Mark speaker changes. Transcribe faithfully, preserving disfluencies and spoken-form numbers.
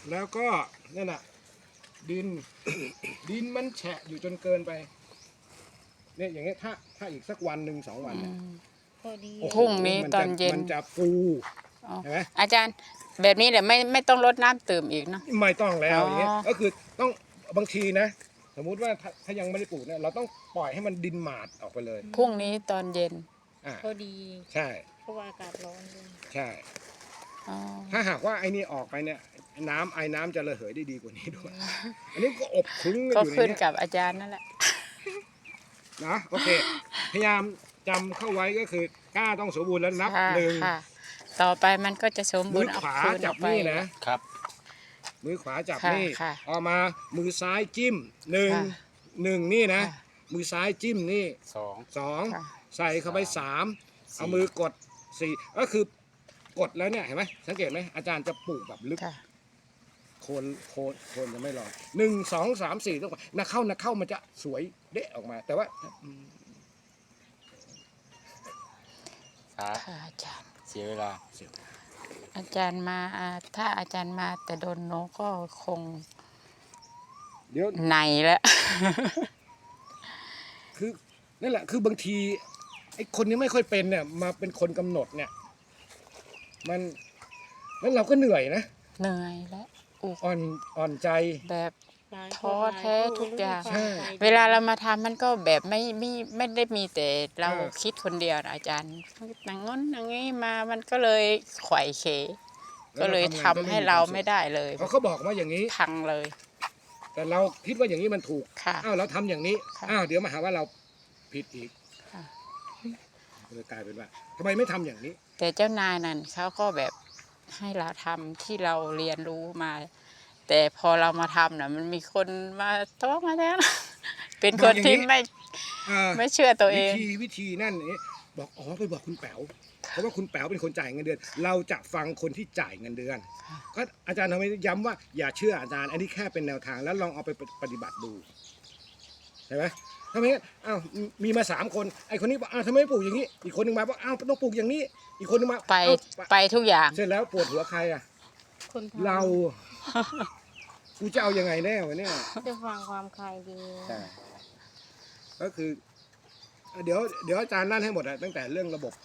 Speaker 1: แล้วก็นั่นน่ะดิน ดินมันแฉะอยู่จนเกินไปเนี่ยอย่างเงี้ยถ้าถ้าอีกสักวันหนึ่งสองวันเนี่ย
Speaker 2: พอดี
Speaker 1: โอ้โห
Speaker 3: พรุ่งนี้
Speaker 1: มั
Speaker 3: ต
Speaker 1: จะ
Speaker 3: อนเย็น
Speaker 1: มันจะฟู
Speaker 3: อ๋อ
Speaker 1: เห็นไหม
Speaker 3: อาจารย์แบบนี้เดี๋ยวไม่ไม่ต้องรดน้ำเติมอีกเนาะ
Speaker 1: ไม่ต้องแล้ว
Speaker 3: อ๋อ
Speaker 1: อ
Speaker 3: อ
Speaker 1: ย่างเงี้ยก็คือต้องบางทีนะ สมมุติว่าถ้าถ้ายังไม่ได้ปลูกเนี่ยเราต้องปล่อยให้มันดินหมาดออกไปเลย
Speaker 3: พรุ่งนี้ตอนเย็น
Speaker 1: อ่า
Speaker 2: พอดี
Speaker 1: ใช่
Speaker 2: เพราะว่าอากาศร้อนด้วย
Speaker 1: ใช่
Speaker 3: อ๋อ
Speaker 1: ถ้าหากว่าไอ้นี่ออกไปเนี่ยน้ำไอ้น้ำจะระเหยได้ดีกว่านี้ด้วย อันนี้ก็อบคลุ้งกัน
Speaker 3: ก็
Speaker 1: อยู่ใน
Speaker 3: ขึ้น
Speaker 1: เนี้ย
Speaker 3: กับอาจารย์นั่นแหละ
Speaker 1: นะโอเค พยายามจำเข้าไว้ก็คือกล้าต้องสมบูรณ์แล้วนับ
Speaker 3: ค่ะ
Speaker 1: หนึ่ง
Speaker 3: ค่ะ ต่อไปมันก็จะสมบู
Speaker 1: มื
Speaker 3: ร
Speaker 1: อ
Speaker 3: ณ์เอา
Speaker 1: ขวา
Speaker 3: คืน
Speaker 1: จั
Speaker 3: อบ อกไป
Speaker 1: นี่นะ
Speaker 4: ครับ
Speaker 1: มือขวาจับ
Speaker 3: ค่ะ
Speaker 1: นี่
Speaker 3: ค่ะ
Speaker 1: ออกมามือซ้ายจิ้มหนึ่ง
Speaker 3: ค่ะ
Speaker 1: หนึ่งนี่นะ
Speaker 3: ค่ะ
Speaker 1: มือซ้ายจิ้มนี่
Speaker 4: สอง
Speaker 1: สอง
Speaker 3: ค่ะ
Speaker 1: ใส่เข้าไปสาม
Speaker 4: สี่
Speaker 1: เอามือกดสี่ก็คือกดแล้วเนี่ยเห็นไหมสังเกตไหมอาจารย์จะปลูกแบบลึก
Speaker 3: ค่ะ
Speaker 1: โคนโคนโคนจะไม่ลอยหนึ่งสองสามสี่ต้องไปนักเข้านักเข้ามันจะสวยเดะออกมา แต่ว่าอืม
Speaker 4: ช้า
Speaker 3: ค่ะอาจารย์
Speaker 4: เสียเวลา
Speaker 3: อาจารย์มาอ่าถ้าอาจารย์มาแต่โดนโนก็คง
Speaker 1: เดี๋ยว
Speaker 3: ในแล้ว
Speaker 1: คือนั่นแหละคือบางทีไอ้คนนี้ไม่ค่อยเป็นเนี่ยมาเป็นคนกำหนดเนี่ย มันแล้วเราก็เหนื่อยนะ
Speaker 3: เหนื่อยแล้วอุก
Speaker 1: อ่อนอ่อนใจ
Speaker 3: แบบ
Speaker 2: หลายคน
Speaker 3: ท้อแท้ทุกอย่าง
Speaker 2: หลคน
Speaker 1: ใช่
Speaker 3: เวลาเรามาทำมันก็แบบไม่ไม่ไม่ได้มีแต่เรา
Speaker 1: เออ
Speaker 3: คิดคนเดียวนะอาจารย์นางง้นอย่างนี้มามันก็เลยไขว่เขก็เลยทำให้เราไม่ได้เลย
Speaker 1: เขาเขาบอกว่าอย่างนี้
Speaker 3: พังเลย
Speaker 1: แต่เราคิดว่าอย่างนี้มันถูก
Speaker 3: ค่ะ
Speaker 1: อ้าวเราทำอย่างนี้
Speaker 3: ค่ะ
Speaker 1: อ้าวเดี๋ยวมาหาว่าเราผิดอีก
Speaker 3: ค่ะ
Speaker 1: เลยกลายเป็นว่าทำไมไม่ทำอย่างนี้
Speaker 3: แต่เจ้านายนั่นเขาก็แบบให้เราทำที่เราเรียนรู้มา แต่พอเรามาทำน่ะมันมีคนมาโต้มาแล้ว เป็นคนที่ไม่
Speaker 1: อ่า
Speaker 3: ไม่เชื่อตัวเอ
Speaker 1: วิ
Speaker 3: ง
Speaker 1: ธีวิธีนั่นนี่บอกอ๋อไปบอกคุณแป๋วเพราะว่าคุณแป๋วเป็นคนจ่ายเงินเดือน เราจะฟังคนที่จ่ายเงินเดือน
Speaker 3: ค่ะ
Speaker 1: ก็อาจารย์ทำไมย้ำว่าอย่าเชื่ออาจารย์ อันนี้แค่เป็นแนวทางแล้วลองเอาไปปฏิบัติดูใช่ไหมทำไมอ้าวมีมาสามคนไอ้คนนี้บอกอ้าวทำไมไม่ปลูกอย่างนี้ อีกคนนึงมาบอกอ้าวต้องปลูกอย่างนี้ อีกคนนึงมา
Speaker 3: ไป
Speaker 1: เอ้า
Speaker 3: ไปทุกอย่าง
Speaker 1: เสร็จแล้วปวดหัวใครอ่ะ
Speaker 2: คนทำ
Speaker 1: เรา กูจะเอายังไงแน่วะเนี่ย
Speaker 2: จะฟังความใครดี
Speaker 1: ใช่ก็คือ เดี๋ยวเดี๋ยวอาจารย์นั่นให้หมดอะตั้งแต่เรื่องระบบ